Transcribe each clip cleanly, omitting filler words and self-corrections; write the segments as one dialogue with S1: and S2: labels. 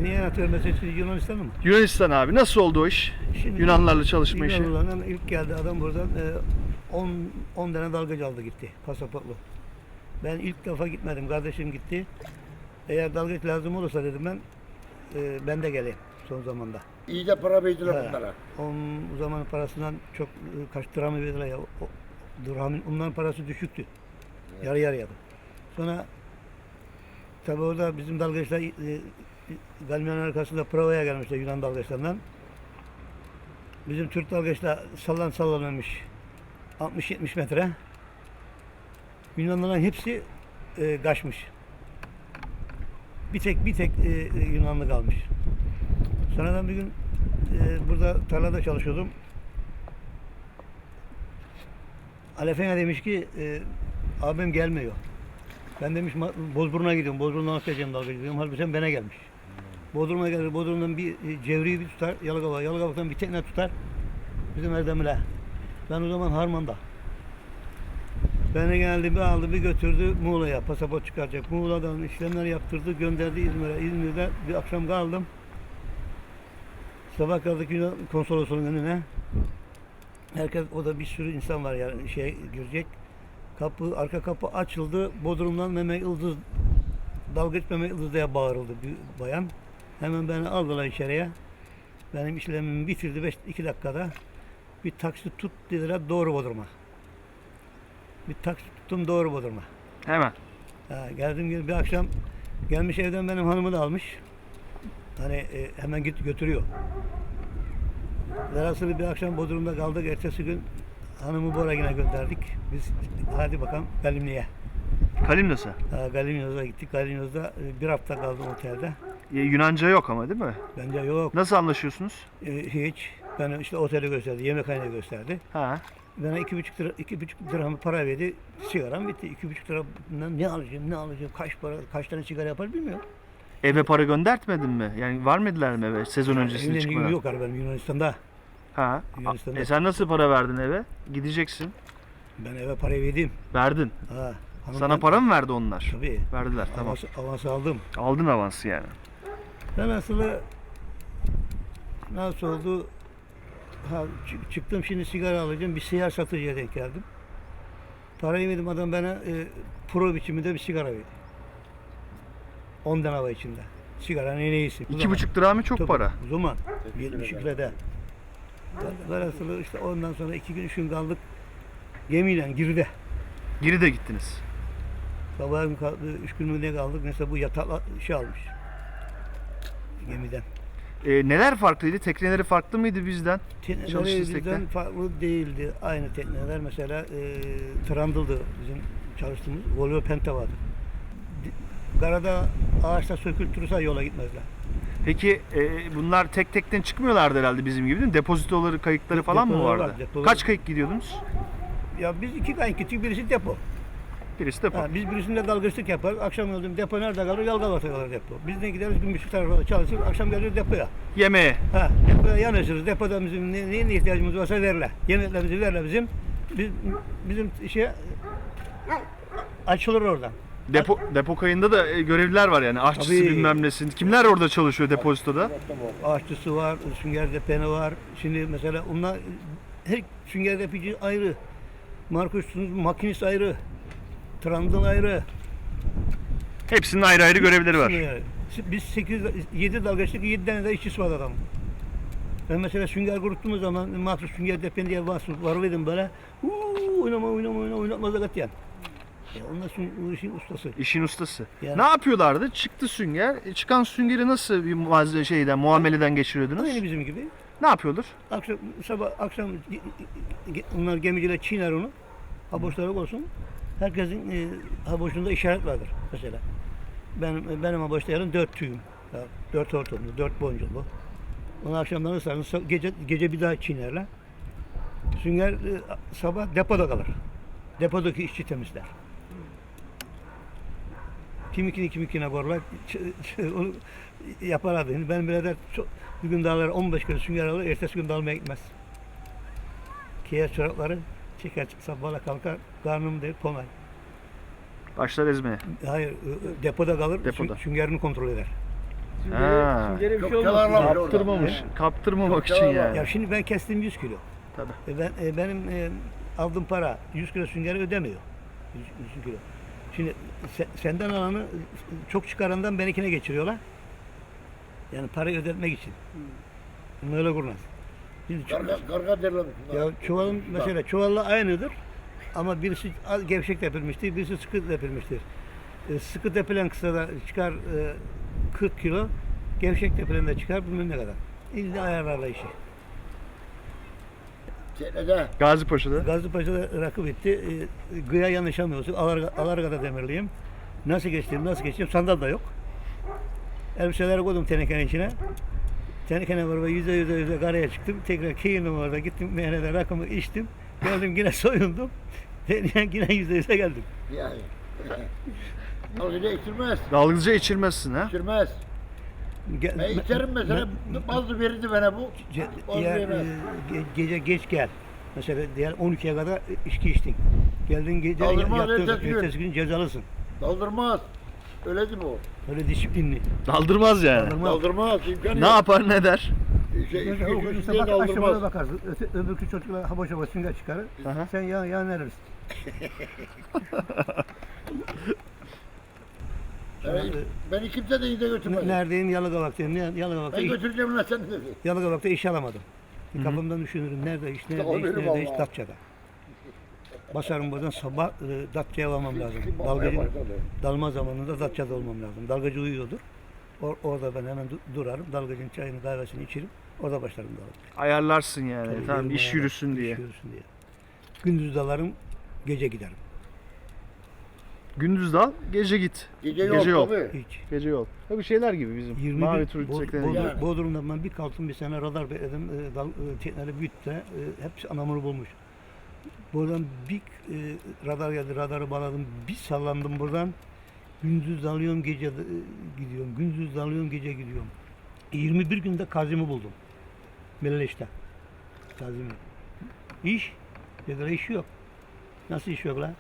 S1: Niye atıyorum mesela Yunanistan'a mı?
S2: Yunanistan abi. Nasıl oldu o iş?
S1: Şimdi
S2: Yunanlarla çalışma işi.
S1: Yunanlılardan ilk geldi adam buradan 10 tane dalgıç aldı gitti pasaportlu. Ben ilk defa gitmedim. Kardeşim gitti. Eğer dalgıç lazım olursa dedim ben de geleyim son zamanda.
S3: İyi de para verdiler
S1: He.
S3: bunlara.
S1: O zaman parasından çok kaç dirhamı verdiler ya. Dirhamın onların parası düşüktü. Yarı yarıyadı. Sonra tabii orada bizim dalgıçlar Galmia'nın arkasında provaya gelmişler Yunan dalgıçlarından. Bizim Türk dalgıçlar sallanmamış 60-70 metre. Yunanlıların hepsi kaçmış. Bir tek Yunanlı kalmış. Sonradan bir gün burada tarlada çalışıyordum. Alefen'e demiş ki abim gelmiyor. Ben demiş Bozburun'a gidiyorum. Bozburun'dan atlayacağım dalga gidiyorum. Halbuki sen bana gelmiş. Bodrum'a gelir. Bodrum'dan bir Cevri'yi bir tutar. Yalıkava. Yalıkava'dan bir tekne tutar. Bizim Erdem'le. Ben o zaman Harman'da. Beni geldi bir aldı bir götürdü Muğla'ya. Pasaport çıkaracak. Muğla'dan işlemler yaptırdı. Gönderdi İzmir'e. İzmir'de bir akşam kaldım. Sabah kaldık Yunan konsolosluğunun önüne. Herkes, o da bir sürü insan var yani girecek. Arka kapı açıldı. Bodrum'dan Mehmet Yıldız, dalgıç Mehmet Yıldız diye bağırıldı bir bayan. Hemen beni aldılar içeriye. Benim işlemimi bitirdi 2 dakikada. Bir taksi tut dediler doğru Bodrum'a. Bir taksi tuttum doğru Bodrum'a.
S2: Hemen.
S1: Geldim bir akşam gelmiş evden benim hanımı da almış. Hani hemen götürüyor. Velhasılı bir akşam Bodrum'da kaldık. Ertesi gün hanımı Boragine gönderdik. Biz hadi bakalım Galimli'ye.
S2: Kalimnos'a.
S1: Galimnos'a gittik. Galimnos'da bir hafta kaldım otelde.
S2: Yunanca yok ama değil mi?
S1: Bence yok.
S2: Nasıl anlaşıyorsunuz?
S1: Hiç. Ben işte oteli gösterdi. Yemekhaneyi gösterdi.
S2: Ha.
S1: Bana 2,5 dirham para verdi. Sigaram bitti. 2,5 liramdan ne alacağım? Kaç tane sigara yapar bilmiyorum.
S2: Eve para göndertmedin mi? Yani var mıydılar mı eve sezon öncesinde
S1: Evde
S2: çıkmadan?
S1: yok benim Yunanistan'da.
S2: Ha.
S1: Yunanistan'da.
S2: Sen nasıl para verdin eve? Gideceksin.
S1: Ben eve parayı verdim.
S2: Verdin. Sana para mı verdi onlar?
S1: Tabii.
S2: Verdiler, tamam.
S1: Avans aldım.
S2: Aldın avansı yani.
S1: Ben aslında nasıl oldu? Çıktım şimdi sigara alacağım. Bir seyyar satıcıya denk geldim. Parayı verdim adam bana pro biçiminde bir sigara verdi. 10 tane hava içinde. Sigaranın en iyisi.
S2: 2,5 dirhamı çok
S1: Tabii,
S2: para.
S1: O zaman 72 lirada. Velhasılı işte ondan sonra 2 gün 3 gün kaldık. Gemiyle Giride.
S2: Geri de gittiniz.
S1: Sabahın 3 gün mü ne kaldık? Mesela bu yatakla almış. Gemiden.
S2: Neler farklıydı? Tekneleri farklı mıydı bizden?
S1: Tekneleri
S2: Çalıştığınız
S1: bizden
S2: tekne?
S1: farklı değildi. Aynı tekneler mesela Trundle'dı bizim çalıştığımız. Volvo Penta vardı. Karada ağaçta sökültürürse yola gitmezler.
S2: Peki bunlar tek tekten çıkmıyorlardı herhalde bizim gibi değil mi? Depozitoları, kayıkları falan mı
S1: Depolar
S2: vardı?
S1: var, depolar.
S2: Kaç kayık gidiyordunuz?
S1: Ya biz 2 kayık gittik, birisi depo.
S2: Birisi depo.
S1: Biz birisinde dalgıçlık yaparız. Akşam öldüm depo nerede kalır? Yalgavat'a kalır depo. Biz de gideriz Gümüşlük tarafında çalışır. Akşam geliriz depoya.
S2: Yemeğe.
S1: Depoya yanaşırız. Depoda bizim neye ihtiyacımız varsa verirler. Yemeklerimizi verirler bizim. Bizim açılır oradan.
S2: Depo kayında da görevliler var yani. Aşçısı
S1: Tabii.
S2: bilmem nesin. Kimler orada çalışıyor depozitoda?
S1: Aşçısı var, sünger depeni var. Şimdi mesela onlar her sünger depici ayrı. Markus'un makinist ayrı. Trundle ayrı.
S2: Hepsinin ayrı ayrı görevleri var.
S1: Biz 7 dalgıçlık 7 tane de işçisi var adam. Ben mesela sünger kuruttuğumuz zaman mahsus sünger depeni diye varıyordum böyle. Oynatmaz da katiyen. Onlar bu işin ustası.
S2: İşin ustası.
S1: Yani.
S2: Ne yapıyorlardı? Çıktı sünger. Çıkan süngeri nasıl bir muameleden geçiriyordunuz?
S1: Aynı bizim gibi.
S2: Ne yapıyordur?
S1: Akşam onlar gemiciler çiğner onu. Haboşları olsun. Herkesin haboşunda işaret vardır mesela. Benim haboşta yarın 4 tüyüm. 4 hortumlu, 4 boncuklu. Onu akşamdan ıslarını gece bir daha çiğnerler. Sünger sabah depoda kalır. Depodaki işçi temizler. Kimikine borlar onu yaparlardı. Yani ben birader bir gün dağlara 15 kere sünger alır, ertesi gün dalmaya gitmez. Kiyer çorapları çeker sabahla kalkar, karnım der konay.
S2: Başlar ezmeye.
S1: Hayır, depoda kalır,
S2: Depoda.
S1: süngerini kontrol eder.
S2: Ha.
S3: Süngere bir
S4: Çok
S3: şey olmasın.
S4: çalarlar. Orada.
S2: Kaptırmamış. Kaptırmamak
S4: Çok
S2: için
S4: yalan var.
S2: yani.
S1: Ya şimdi ben kestim 100 kilo.
S2: Tabii.
S1: Benim aldığım para 100 kilo süngeri ödemiyor. 100 kilo. Şimdi senden alanı çok çıkarandan benimkine geçiriyorlar. Yani parayı ödetmek için. Böyle kurnaz. Şimdi
S4: Karga derler.
S1: ya çuvalın mesela çuvalla aynıdır. Ama birisi gevşek tepilmiştir, birisi sıkı tepilmiştir. Sıkı tepilen kısada çıkar 40 kilo, gevşek tepilen de çıkar bilmem ne kadar. İlla ayarlarla işi.
S4: Çeklede.
S2: Gazi Paşa'da.
S1: Gazipaşa'da rakı bitti. Gıya yanlışamıyorsun. Alarga'da demirliyim. Nasıl geçtim? Sandal da yok. Elbiseleri koydum tenekenin içine. Tenekenin var ve yüze karaya çıktım. Tekrar keyindim orada. Gittim meyhanede rakımı içtim. Geldim yine soyundum. Yine yüze geldim.
S4: Yani. Algıca içirmez.
S2: Dalgıca içirmezsin ha.
S4: İçirmez. Ben içerim mesela. Bazı verirdi bana bu. Bazı
S1: Diğer
S4: vermez.
S1: gece geç gel. Mesela diğer 12'ye kadar içki içtin. Geldin gece
S4: Kaldırmaz,
S1: yattın.
S4: ertesi gün.
S1: Ertesi gün cezalısın.
S4: Daldırmaz. Öyle değil mi o?
S1: Öyle disiplinli.
S2: Daldırmaz yani.
S1: Kaldırmaz.
S4: Daldırmaz. İmkanı
S2: Ne yapar ne der?
S1: İşte bak aşağıya bakarsın. Öbürkü çocuklar haboş sünger çıkarır.
S2: Aha.
S1: Sen yan neresin?
S4: Beni kimse de iyi de götürmez.
S1: Neredeyim? Yalıkavak'tayım. Yalıkavak'ta,
S4: Ben götüreceğim lan seni dedi.
S1: Yalıkavak'ta iş alamadım. Kafamdan düşünürüm. Nerede iş,
S4: Tamam,
S1: nerede iş,
S4: benim
S1: nerede iş?
S4: Allah.
S1: Datça'da. Basarım buradan sabah Datça'ya varmam lazım.
S4: Bakmaya
S1: Dalgacı,
S4: başladı.
S1: dalma zamanında Datça'da olmam lazım. Dalgacı uyuyordur. Orada ben hemen durarım. Dalgacının çayını kahvesini içerim. Orada başlarım dalga.
S2: Ayarlarsın yani.
S1: Tabii,
S2: Tamam
S1: yerim
S2: iş
S1: ayarlar,
S2: yürüsün diye.
S1: İş yürüsün diye. Gündüz dalarım, gece giderim.
S2: Gündüz dal, gece git.
S4: Gece
S2: Gece yol.
S4: yok tabii.
S1: Hiç.
S2: Gece yol. Tabii şeyler gibi bizim.
S1: 21
S2: Mavi tur çiçekleri.
S4: Yani.
S1: Bodrum'da ben bir kalktım bir sene radar bekledim. Tekneleri büyüttü. Hepsi anamuru bulmuş. Buradan bir radar geldi. Radarı bağladım. Bir sallandım buradan. Gündüz dalıyorum gece gidiyorum. Gündüz dalıyorum gece gidiyorum. 21 günde Kazim'i buldum. Meleş'te. Kazim'i. İş. Dediler iş yok. Nasıl iş yok lan?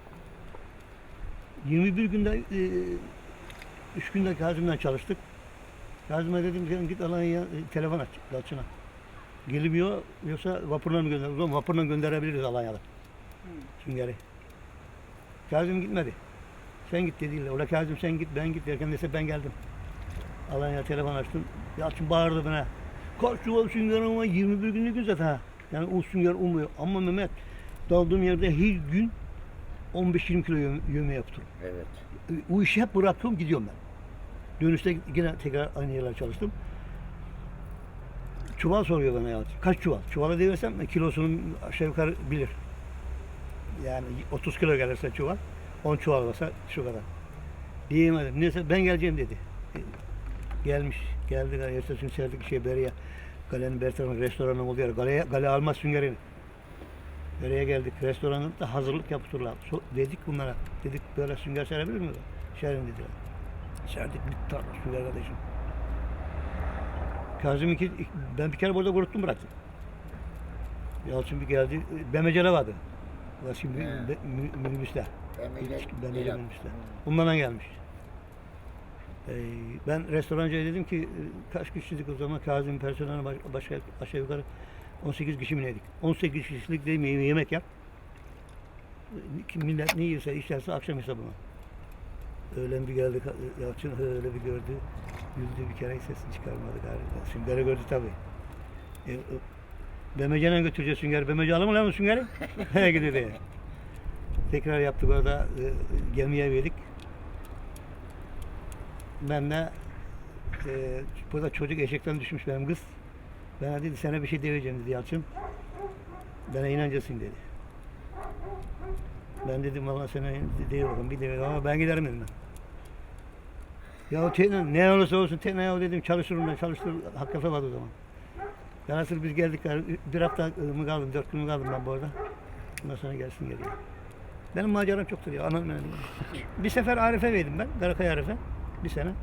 S1: 21 günde 3 günde Kazım'dan çalıştık. Kazım'a dedim ki git Alanya'ya telefon aç Dalçın'a. Gelmiyor yoksa vapurla mı gönder? O zaman vapurla gönderebiliriz Alanya'da. Süngeri. Kazım gitmedi. Sen git dediler. Ola Kazım sen git ben git derken neyse ben geldim. Alanya'ya telefon açtım. Yalçın bağırdı bana. Kaç çuval sünger ama 21 günlük gün zaten ha. Yani o sünger olmuyor. Ama Mehmet daldığım yerde her gün 15-20 kilo yövme yaptım.
S4: Evet.
S1: O işi hep bıraktım gidiyorum ben. Dönüşte yine tekrar aynı yerler çalıştım. Çuval soruyor bana ya. Kaç çuval? Çuvala devirsem kilosunun aşağı yukarı bilir. Yani 30 kilo gelirse çuval, 10 çuval olsa şu kadar. Diyemedim. Neyse ben geleceğim dedi. Gelmiş. Geldi. Ertesi gün serdik Beriye. Galenin bir tarafında restoranın olduğu yer. Gale almaz süngerini. Nereye geldik? Restoranın da hazırlık yaptırırlar. Dedik bunlara. Dedik böyle sünger serebilir miyiz? Serin dediler. Serdik bir tane sünger kardeşim. Kazım ben bir kere burada kuruttum bıraktım. Yalçın bir geldi. Bemecele vardı. Ulan şimdi minibüsler. Bemece minibüsler. Bunlardan gelmiş. Ben restorancıya dedim ki kaç kişilik o zaman Kazım personeli başka aşağı yukarı 18 kişi mi neydik? 18 kişilik değil mi yemek yap. Millet ne yiyorsa içerse akşam hesabına. Öğlen bir geldi Yalçın öyle bir gördü. Güldü bir kere sesini çıkarmadı galiba. Süngeri gördü tabii. Bemece'yle götüreceğiz süngeri. Bemece alır mı lan o süngeri? He gidiyor diye. Tekrar yaptık orada gemiye verdik. Ben de burada çocuk eşekten düşmüş benim kız. Bana dedi sana bir şey diyeceğim dedi Yalçın. Bana inanacaksın dedi. Ben dedim valla sana değil bakalım bir demedim ama ben giderim dedim ben. Ya tekne ne olursa olsun tekne ya dedim çalışırım ben çalıştır hakikaten vardı o zaman. Velhasıl biz geldik bir hafta mı kaldım 4 gün mü kaldım ben bu arada. Ondan sonra gelsin geriye. Benim maceram çoktur ya anam benim. Bir sefer Arif'e verdim ben Karakaya Arif'e bir sene.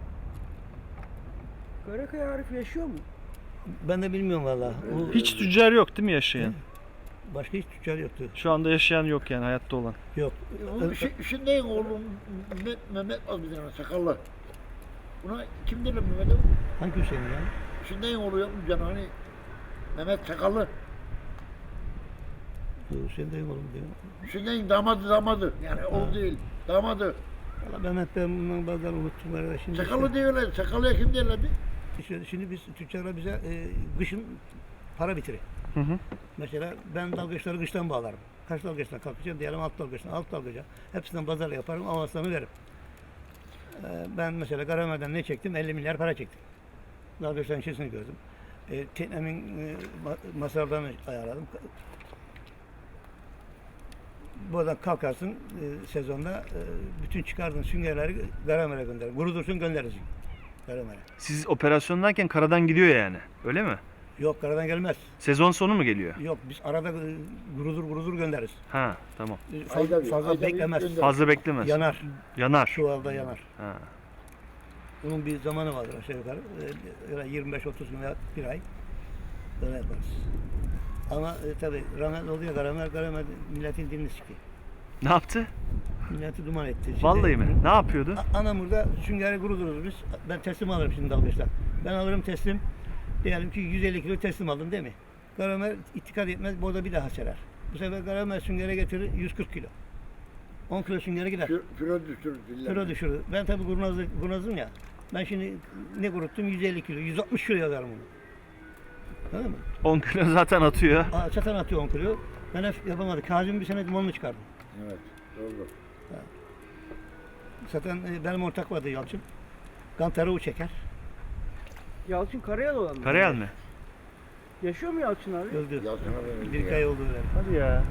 S3: Karakaya Arif yaşıyor mu?
S1: Ben de bilmiyorum valla.
S2: Hiç tüccar yok değil mi yaşayan?
S1: Başka hiç tüccar yoktu.
S2: Şu anda yaşayan yok yani hayatta olan.
S1: Yok.
S4: Şimdi oğlum Mehmet az bir tane sakallı. Buna kim diyor Mehmet'e?
S1: Hangi Hüseyin yani?
S4: Şimdiden oluyor mu canım hani Mehmet Sakallı.
S1: Hüseyin dayım oğlum diyor.
S4: Şimdiden damadı. Yani o değil. Damadı.
S1: Valla Mehmet ben bundan bazen unuttum arada. Şimdi
S4: Sakallı diyorlar. Sakallıya kim diyorlardı?
S1: şimdi biz tüccarlar bize kışın para bitirir.
S2: Hı hı.
S1: Mesela ben dalgıçları kıştan bağlarım. Kaç dalgıçtan kalkacağım diyelim alt dalgıçtan. Hepsinden pazarla yaparım, avanslarını veririm. Ben mesela Karamer'den ne çektim? 50 milyar para çektim. Dalgıçların içerisini gördüm. Teknemin masraflarını ayarladım. Buradan kalkarsın sezonda bütün çıkardığın süngerleri Karamer'e gönderir. Kurudursun gönderirsin Karamer'e.
S2: Siz operasyondayken karadan gidiyor yani. Öyle mi?
S1: Yok karadan gelmez.
S2: Sezon sonu mu geliyor?
S1: Yok biz arada kurudur göndeririz.
S2: Ha, tamam.
S4: Ayda bir,
S1: Fazla
S4: ayda bir
S1: beklemez.
S4: gönder.
S2: Fazla beklemez.
S1: Yanar.
S2: Yanar.
S1: Çuvalda yanar.
S2: Ha.
S1: Bunun bir zamanı vardır aşağı yukarı. Öyle 25-30 gün veya bir ay. Böyle yaparız. Ama tabii rahmetli oluyor Karamer milletin dilini sikti.
S2: Ne yaptı?
S1: Milleti duman etti. Şimdi,
S2: Vallahi mi? Ne yapıyordu?
S1: Anamur'da süngeri kuruduruz biz. Ben teslim alırım şimdi dalgıçtan. Ben alırım teslim. Diyelim ki 150 kilo teslim aldım değil mi? Karamer itikad etmez. Burada bir daha serer. Bu sefer Karamer süngere getirir 140 kilo. 10 kilo süngere gider.
S4: Kilo düşürür.
S1: Kilo düşürür. Ben tabii kurnazım ya. Ben şimdi ne kuruttum? 150 kilo. 160 kilo yazarım onu. Anladın mı?
S2: 10 kilo zaten atıyor.
S1: Çatan atıyor 10 kilo. Ben hep yapamadım. Kazım bir sene dumanını çıkardım.
S4: Evet. Doğru.
S1: Zaten benim ortak vardı Yalçın. Kantarığı çeker.
S3: Yalçın Karayel olan mı?
S2: Karayel mi?
S3: Yaşıyor mu Yalçın abi?
S1: Öldü.
S4: Yalçın'a verildi
S1: Bir ay oldu öyle.
S2: Hadi ya.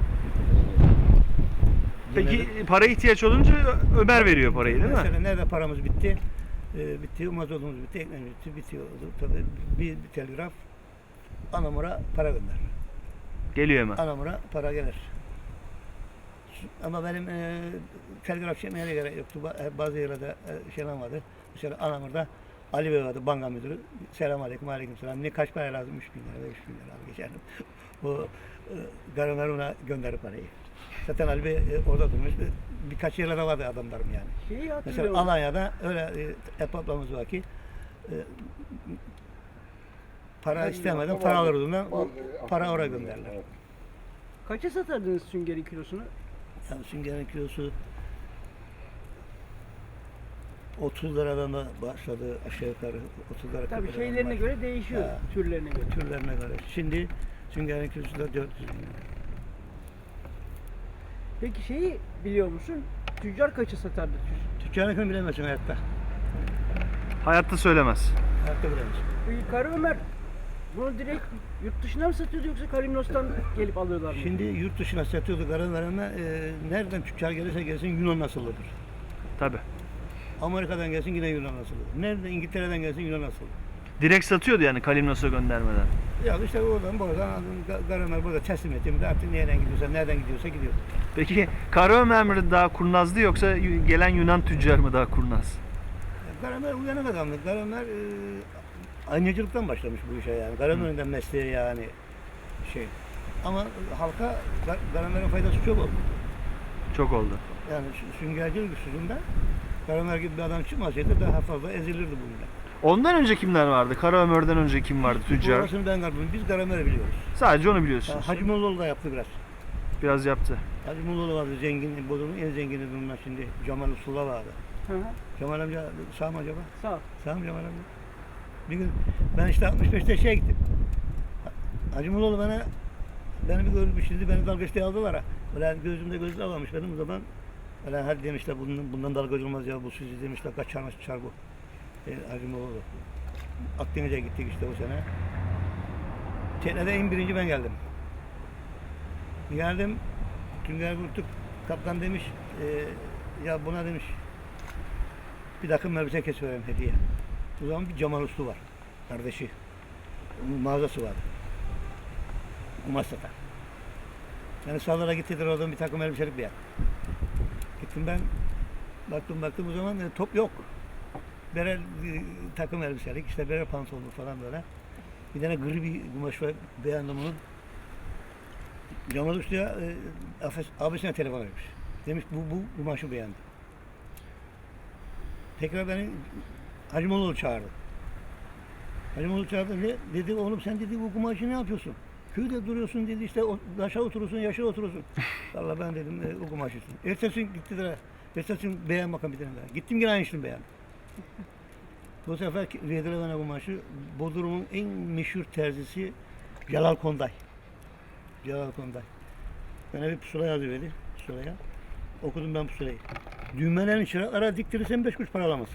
S2: Peki para ihtiyaç olunca Ömer veriyor parayı değil mi?
S1: Mesela nerede paramız bitti? Bitti, mazotumuz bitti, ekmeğimiz bitti, bitiyordu. Tabii bir telgraf Anamur'a para gönder.
S2: Geliyor hemen.
S1: Anamur'a para gelir. Ama benim telgraf çekmeye de gerek yoktu. Bazı yerlerde şeyler vardı. Mesela Anamur'da Ali Bey vardı, banka müdürü. Selam aleyküm, aleyküm selam. Ne kaç para lazım? 3 bin lira, 5 bin lira al geçerdim. Bu Karamer ona gönderir parayı. Zaten Ali Bey orada durmuş. Birkaç yerlerde vardı adamlarım yani.
S3: Şeyi hatırlıyorum.
S1: Mesela Alanya'da öyle ablamız var ki para istemeden para alırdığından para oraya gönderler.
S3: Kaça satardınız süngerin kilosunu?
S1: Yani süngerin kilosu 30 liradan da başladı aşağı yukarı 30 lira.
S3: Tabii
S1: 40 liradan
S3: şeylerine
S1: başladı.
S3: göre değişiyor.
S1: Ha.
S3: Türlerine göre.
S1: Türlerine göre. Şimdi süngerin kilosu da 400 lira.
S3: Peki şeyi biliyor musun? Tüccar kaça satardı?
S1: Tüccarın kim bilemezsin hayatta.
S2: Hayatta söylemez.
S1: Hayatta bilemezsin.
S3: Bu Kara Ömer bunu direkt yurt dışına mı satıyordu yoksa Kalimnos'tan gelip alıyorlar mı?
S1: Şimdi yurt dışına satıyordu Karamer'e nereden tüccar gelirse gelsin Yunan asıllıdır.
S2: Tabii.
S1: Amerika'dan gelsin yine Yunan asıllıdır. Nereden İngiltere'den gelsin Yunan asıllıdır.
S2: Direkt satıyordu yani Kalimnos'a göndermeden.
S1: Ya işte buradan Karamer burada teslim ettiğimde artık nereden gidiyorsa gidiyor.
S2: Peki Kara Ömer mi daha kurnazdı yoksa gelen Yunan tüccar mı daha kurnaz?
S1: Karamer uyanık adamdı. Karamer aynacılıktan başlamış bu işe yani. Karamer'in de mesleği yani şey. Ama halka Karamer'in faydası çok oldu.
S2: Çok oldu.
S1: Yani süngercilik yüzünden Karamer gibi bir adam çıkmasaydı daha fazla ezilirdi bu millet.
S2: Ondan önce kimler vardı? Kara Ömer'den önce kim vardı tüccar?
S1: Orasını ben kalbim. Biz Karamer'i biliyoruz.
S2: Sadece onu biliyorsunuz.
S1: Hacı Mollaoğlu da yaptı biraz.
S2: Biraz yaptı.
S1: Hacı Mollaoğlu vardı zengin, Bodrum'un en zengini bunlar şimdi. Cemal Usul'a vardı.
S3: Hı hı.
S1: Cemal amca sağ mı acaba?
S3: Sağ ol.
S1: Sağ mı Cemal amca? Bir gün ben işte 65'te şeye gittim. Hacı Mollaoğlu beni bir görmüş şimdi beni dalgıçlığa aldılar ha. Böyle gözümde gözlü almamış benim o zaman. Böyle hadi demişler bundan dalgıç olmaz ya bu sizi demişler kaçar bu. Hacı Mollaoğlu. Akdeniz'e gittik işte o sene. Teknede en birinci ben geldim. Geldim, tünger kurttuk. Kaptan demiş, ya buna demiş, bir takım elbise kesivereyim hediye. O zaman bir Cemal Uslu var, kardeşi. Onun mağazası var. Kumaş satar. Yani sağlara gittiler oradan bir takım elbiselik bir yer. Gittim ben, baktım o zaman top yok. Berel takım elbiselik, işte berel pantolonlu falan böyle. Bir tane gri bir kumaş var, beğendim onu. Cemal Usta'ya abisine telefon etmiş. Demiş bu kumaşı beğendi. Tekrar beni Hacımoğlu çağırdı. Hacımoğlu çağırdı. Ne? Dedi oğlum sen dedi bu kumaşı ne yapıyorsun? Köyde duruyorsun dedi işte aşağı oturursun, yaşa oturursun. Valla ben dedim o kumaşısın. Ertesi gün gittiler. Ertesi gün beğen bakalım bir tane daha. Gittim yine aynısını beğen. Bu sefer verdiler bana kumaşı. Bodrum'un en meşhur terzisi Celal Konday. Celal Konday. Bana bir pusula yazıverdi. Pusulaya. Okudum ben pusulayı. Düğmelerin çıraklara diktirirsen 5 kuruş para alamazsın.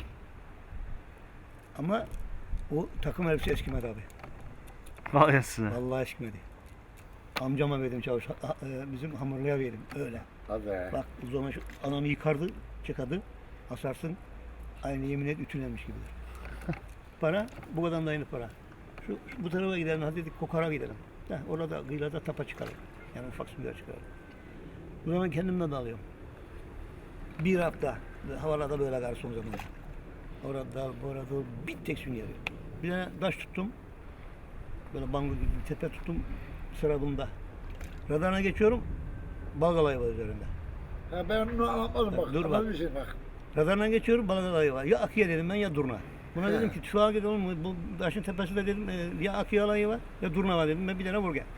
S1: Ama o takım elbise eskimedi abi.
S2: Vay anasını.
S1: Vallahi eskimedi. Amcama verdim çavuş. Bizim hamurluya verdim. Öyle.
S4: Hadi.
S1: Bak o zaman şu anamı yıkardı, çıkardı. Asarsın. Aynı yemin et ütülenmiş gibidir. Para bu kadar da aynı para. Bu tarafa gidelim, hadi dedik Kokar'a gidelim. Orada kıyılarda tapa çıkarır. Yani ufak sümüler çıkarır. Bu zaman kendimden de alıyorum. Bir hafta havalarda böyle kar son zamanlar. Orada burada bir tek sünger. Bir tane taş tuttum. Böyle bango gibi bir tepe tuttum sıra bunda. Radarına geçiyorum. Balık alayı var üzerinde.
S4: Ha, ben onu anlatmadım bak.
S1: Dur bak.
S4: Anlatmışım bak.
S1: Radarına geçiyorum balık alayı var. Ya Akiye dedim ben ya Durna. Buna dedim ki şu git oğlum bu taşın tepesinde dedim ya Akiye alayı var ya Durna var dedim ben bir tane vur gel.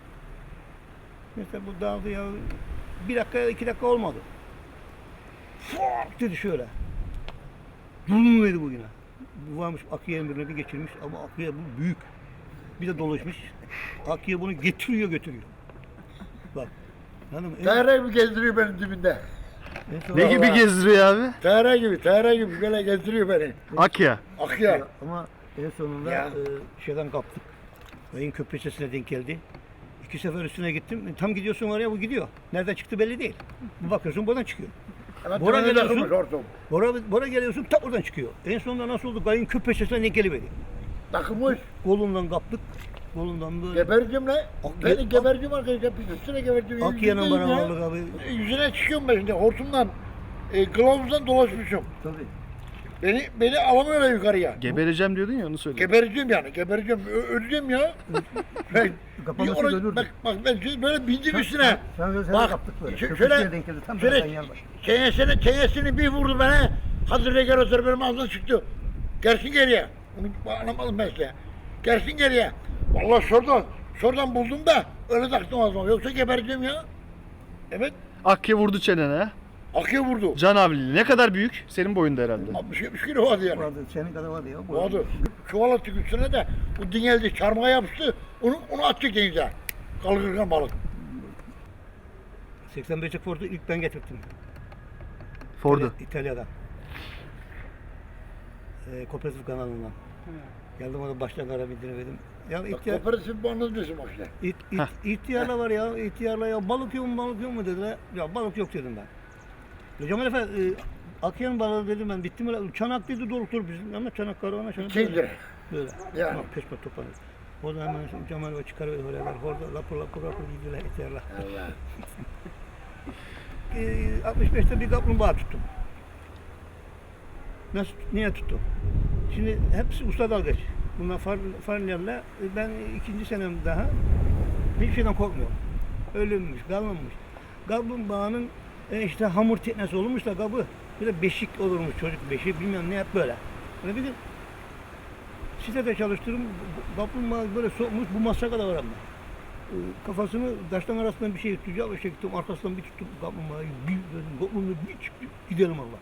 S1: Mesela bu dağıldı ya 1 dakika 2 dakika olmadı. Fok dedi şöyle. Durun dedi bu yine. Bu varmış Akiye'nin birine bir geçirmiş ama Akiye bu büyük. Bir de dolaşmış. Akiye bunu getiriyor götürüyor. Bak. Hanım,
S4: Tayra gibi gezdiriyor beni dibinde.
S2: Ne gibi gezdiriyor abi?
S4: Tayra gibi böyle gezdiriyor beni.
S2: Akya.
S4: Akya.
S1: Ama en sonunda
S4: Ya.
S1: şeyden kaptık. Ayın köprüsüne denk geldi. 2 sefer üstüne gittim. Tam gidiyorsun oraya bu gidiyor. Nereden çıktı belli değil. Bir bakıyorsun buradan çıkıyor.
S4: Ama
S1: Bora
S4: tünele
S1: geliyorsun.
S4: takılmış hortum.
S1: Bora geliyorsun tak oradan çıkıyor. En sonunda nasıl oldu? Ayın köprüsüne denk geliverdi.
S4: Takılmış.
S1: Kolundan kaptık. Kolundan böyle.
S4: Gebercim lan. Beni gebercim arkadaşlar. Üstüne gebercim.
S1: Akiye'nin
S4: Yüzündeyim
S1: bana
S4: ya.
S1: varlık abi.
S4: Yüzüne çıkıyorum ben şimdi hortumdan. Kılavuzdan dolaşmışım.
S1: Tabii.
S4: Beni alamıyorlar yukarıya.
S2: Gebereceğim diyordun ya onu söyle.
S4: Gebereceğim yani. Gebereceğim. Öleceğim ya. Ben,
S1: Kapanması
S4: bir
S1: ölürdü.
S4: bak ben böyle bindim üstüne.
S1: Sen
S4: Bak,
S1: kaptık böyle.
S4: şöyle-
S1: Köprüsüne denk geldi. Tam
S4: şöyle-
S1: şuradan yan baş.
S4: Çenesini bir vurdu bana. Hazır regar hazır benim ağzımdan çıktı. Gelsin geriye. Onu anlamadım ben size. Gelsin geriye. Vallahi şuradan buldum da öyle taktım ağzıma. Yoksa gebereceğim ya. Evet.
S2: Akya vurdu çenene.
S4: Akıya vurdu.
S2: Can avlili. Ne kadar büyük? Senin boyunda herhalde.
S4: 60-70 kilo vardı yani.
S1: Vardı. Senin kadar vardı ya.
S4: Vardı. Çuval attık üstüne de o dingeldi çarmıha yapıştı. Onu attık denize. Kalkırken balık.
S1: 85'lik Ford'u ilk ben getirdim.
S2: Ford'u.
S1: İtalya'dan. Kooperatif kanalından. Geldim orada baştan kara bildiremedim. Ya
S4: Bak
S1: ihtiyar,
S4: kooperatif bu anlatıyorsun bak işte.
S1: ihtiyarla var ya, ihtiyarla ya balık yok mu dediler. Ya balık yok dedim ben. Ya Cemal Efe, Akiye'nin balığı dedim ben, bitti mi? Çanak dedi dolutur bizim ama çanak karavana çanak.
S4: 200 lira.
S1: Böyle.
S4: Yani.
S1: Tamam, peş peşe toplanır. O zaman hemen Cemal Efe çıkarıyor oraya, orada lapur gidiyorlar ihtiyarla.
S4: Allah.
S1: 65'te bir kaplumbağa tuttum. Niye tuttum? Şimdi hepsi usta dalgıç. Bunlar farlarla ben 2. senem daha hiçbir şeyden korkmuyorum. Ölünmüş, kalmamış. Kaplumbağanın işte hamur teknesi olmuş da kabı bir de beşik olurmuş çocuk beşiği bilmem ne hep böyle. Böyle bir de sitede çalıştırdım. Kaplumbağa böyle sokmuş bu masa kadar var ama. Kafasını taştan arasından bir şey tutacak bir şey tuttum arkasından bir tuttum kaplumbağayı bir dedim kaplumbağayı bir çıktı gidelim Allah.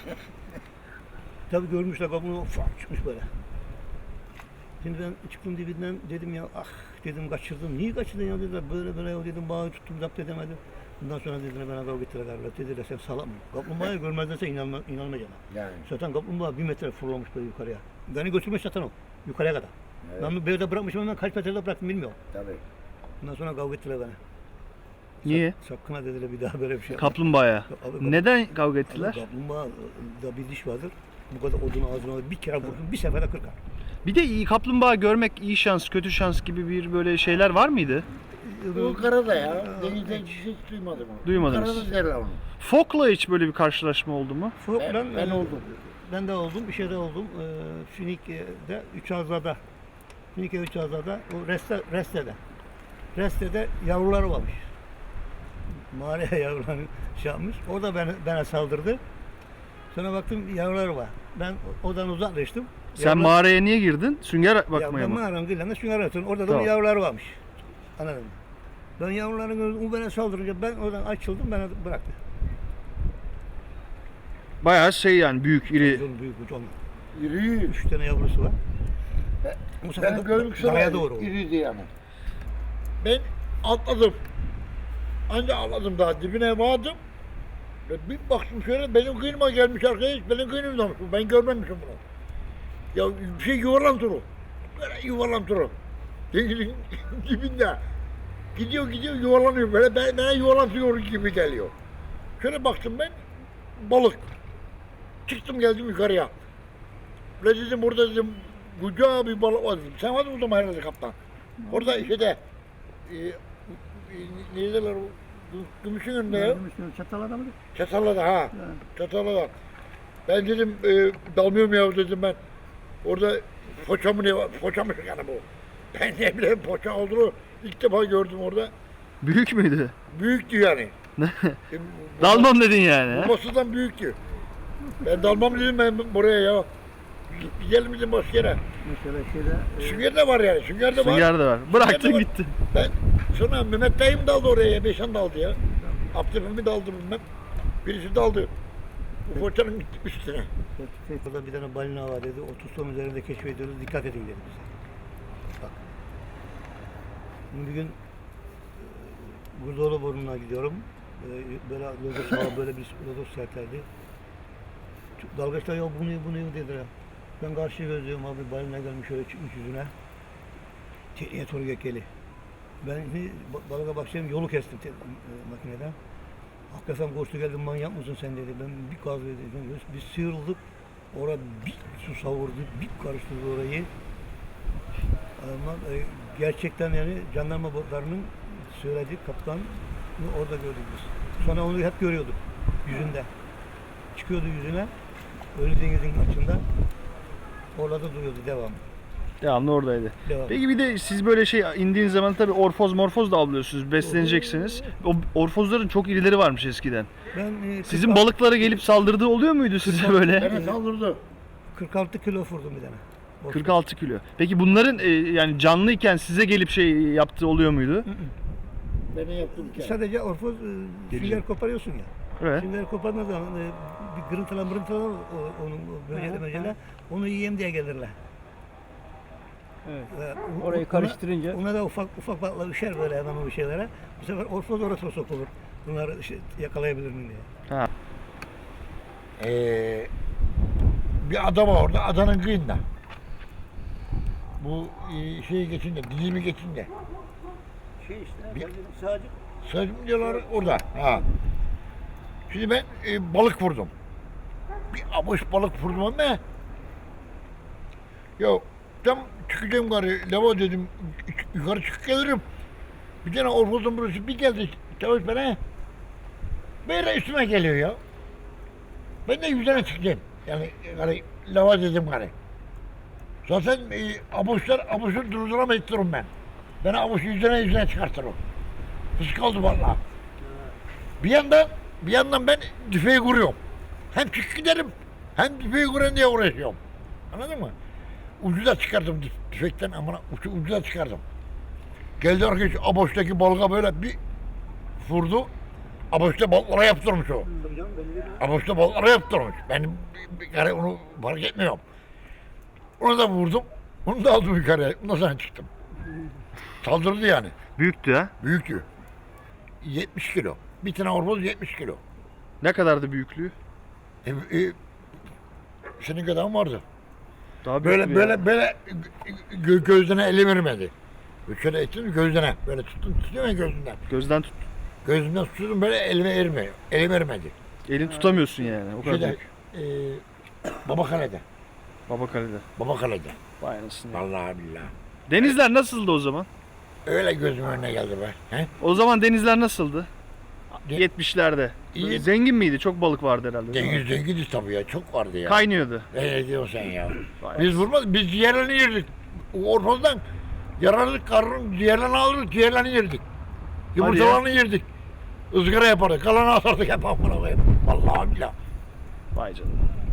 S1: Tabii görmüşler kabuğunu fark çıkmış böyle. Şimdi ben çıktım dibinden dedim ya ah dedim kaçırdım. Niye kaçırdın ya dediler böyle ya dedim bağı tuttum zapt edemedim. Bundan sonra dediler bana kavga ettiler galiba. Dediler sen salak mı? Kaplumbağayı görmezden sen inanmayacaksın.
S4: Yani.
S1: Zaten kaplumbağa 1 metre fırlamış böyle yukarıya. Beni götürmüş zaten o. Yukarıya kadar.
S4: Evet.
S1: Ben böyle bırakmışım hemen kaç metrede bıraktım bilmiyorum.
S4: Tabii.
S1: Bundan sonra kavga ettiler bana.
S2: Niye?
S1: Sakın ha dediler bir daha böyle bir şey.
S2: Kaplumbağaya.
S1: Abi,
S2: Neden kavga ettiler?
S1: Kaplumbağa da bir diş vardır. Bu kadar odunu ağzına bir kere vurdum bir seferde kırkar.
S2: Bir de iyi kaplumbağa görmek iyi şans, kötü şans gibi bir böyle şeyler var mıydı?
S4: Bu karada ya. Denizde hiç duymadım onu.
S2: Duymadınız.
S4: Karada derler onu.
S2: Fok'la hiç böyle bir karşılaşma oldu mu?
S1: Fok'la
S4: Ben oldum.
S1: Ben de oldum, bir şeyde oldum. Finike'de, Üçazla'da. Finike Üçazla'da, o Reste'de. Reste'de yavruları varmış. Mağaraya yavrularını şey yapmış. Orada bana saldırdı. Sonra baktım yavrular var. Ben oradan uzaklaştım.
S2: Sen mağaraya niye girdin? Sünger bakmaya
S1: ben
S2: mı?
S1: mağaranın kıyılarında sünger atıyorum. Orada da
S2: Tamam.
S1: yavrular varmış. Anladın mı? Ben yavruların gördüm. O bana saldırınca ben oradan açıldım. Beni bıraktı.
S2: Bayağı şey yani büyük, iri.
S1: Uzun büyük uç onlar.
S4: İri.
S1: 3 tane yavrusu var. Bu sefer
S4: Ben gördüm
S1: karaya doğru oldu.
S4: iriydi yani. Ben atladım. Anca atladım daha dibine vardım. Ve bir baktım şöyle benim kıyıma gelmiş arkadaş. Benim kıyımdan. Ben görmemişim bunu. Ya bir şey yuvarlantı o. Böyle yuvarlantı o. Denizin dibinde. Gidiyor yuvarlanıyor böyle. Bana yuvarlantıyor gibi geliyor. Şöyle baktım ben. Balık. Çıktım geldim yukarıya. Ve dedim burada dedim koca bir balık var dedim. Sen vardın orada herhalde kaptan. Orada şeyde neydiler o gümüşün önünde ya.
S1: Çatalada mı?
S4: Çatalada ha.
S1: Evet.
S4: Çatalada. Ben dedim dalmıyorum ya dedim ben. Orada poça mı ne var? Poça mı yani bu? Ben ne bileyim poça olduğunu ilk defa gördüm orada.
S2: Büyük müydü?
S4: Büyüktü yani.
S2: Dalmam dedin yani. ha?
S4: Babasından büyüktü. Ben dalmam dedim ben buraya ya. Gidelim dedim başka yere.
S1: Mesela şeyde
S4: Sünger de var yani. Sünger de var.
S2: Sünger de var. Bıraktın
S4: Sünger de var.
S2: gitti.
S4: Ben sonra Mehmet dayım daldı oraya. Beşan daldı ya. Abdülhamid daldı bilmem. Birisi daldı. Bu foçanın üstüne.
S1: Burada bir tane balina var dedi. 30 ton üzerinde keşfediyoruz. Dikkat edin dedi bize. Bak. Şimdi bir gün Gurdolu burnuna gidiyorum. Böyle lodos var, böyle bir lodos sertlerdi. Dalgaçlar ya bu ne dediler. Ben karşı gözlüyorum abi balina gelmiş şöyle çıkmış yüzüne. Tekneye doğru gekeli. Ben balığa başlayayım yolu kestim makineden. Hakikaten koştu geldim manyak mısın sen dedi. Ben bir gaz verdim. Biz sıyrıldık. Orada bir su savurdu, bir karıştırdı orayı. Ama gerçekten yani jandarma botlarının söylediği kaptan orada gördük biz. Sonra onu hep görüyorduk yüzünde. Çıkıyordu yüzüne. Ölü denizin açında. Orada duruyordu devamlı.
S2: Devamlı oradaydı.
S1: Devam.
S2: Peki bir de siz böyle şey indiğiniz zaman tabii orfoz morfoz da avlıyorsunuz, besleneceksiniz. O orfozların çok irileri varmış eskiden.
S1: Ben
S2: Sizin balıklara gelip saldırdığı oluyor muydu size böyle?
S4: Bana saldırdı.
S1: 46 kilo vurdum bir tane.
S2: 46 kilo. Peki bunların yani canlıyken size gelip şey yaptığı oluyor muydu?
S4: Beni yaptım ki.
S1: Sadece orfoz sünger koparıyorsun ya.
S2: Evet.
S1: Sünger kopardığı zaman bir gırıntılan onun böcele onu yiyeyim diye gelirler.
S3: Evet.
S1: Ve
S3: Orayı karıştırınca
S1: ona da ufak balıklar düşer böyle hemen o şeylere. Bu sefer orfoz orası sokulur. Bunları işte yakalayabilir miyim diye.
S2: Ha.
S4: Bir ada var orada, adanın kıyında. Bu şeyi geçince, dizimi geçince.
S1: Şey işte,
S4: Bir-
S1: sadece
S4: Sözüm diyorlar orada. Ha. Şimdi ben balık vurdum. Bir avuç balık vurdum ama ya tam çıkacağım yukarı, lava dedim, yukarı çıkıp gelirim. Bir tane orfozun burası bir geldi, çavuş bana, böyle üstüme geliyor ya. Ben de yüzüne çıktım. Yani lava dedim gari. Zaten avuçları durduramayız durum ben. Beni avuç yüzüne çıkartır o. Fıskaldı vallahi. Bir yandan ben tüfeği kuruyorum. Hem çık giderim, hem tüfeği kurayım diye uğraşıyorum. Anladın mı? Ucu da çıkardım tüfekten ama ucu da çıkardım. Geldi arkadaş aboçtaki balığa böyle bir vurdu. Aboçta balıklara yaptırmış o. Aboçta balıklara yaptırmış. Ben yani onu fark etmiyorum. Onu da vurdum. Onu da aldım yukarıya. Ondan sonra çıktım. Saldırdı yani.
S2: Büyüktü ha.
S4: Büyüktü. 70 kilo. Bir tane orboz 70 kilo.
S2: Ne kadardı büyüklüğü?
S4: Senin kadar mı vardı?
S2: Daha büyük bir
S4: Böyle gözüne eli vermedi. Şöyle ettim gözüne. Böyle tutuyor ya gözünden.
S2: Gözden tut.
S4: Gözümden tutuyordum böyle elime ermiyor. Eli vermedi.
S2: Elini tutamıyorsun yani. O kadar
S4: Şeyde,
S2: büyük.
S4: Babakale'de.
S2: Babakale'de.
S4: Babakale'de.
S2: Vay anasını.
S4: Vallahi billahi.
S2: Denizler nasıldı o zaman?
S4: Öyle gözümün önüne geldi be. He?
S2: O zaman denizler nasıldı?
S4: De-
S2: 70'lerde.
S4: İyi.
S2: Zengin miydi? Çok balık vardı herhalde. değil mi?
S4: Zenginiz tabii ya. Çok vardı ya.
S2: Kaynıyordu.
S4: Ne diyorsun sen ya?
S2: Vay
S4: Biz vurmadık. Biz ciğerlerini yerdik. Orfozdan yararlık karnın ciğerlerini alırdık. Ciğerlerini yerdik. Yumurtalarını yerdik. Izgara yapardık. Kalanı atardık hep amına koyayım. Vallahi billahi.
S2: Vay canına.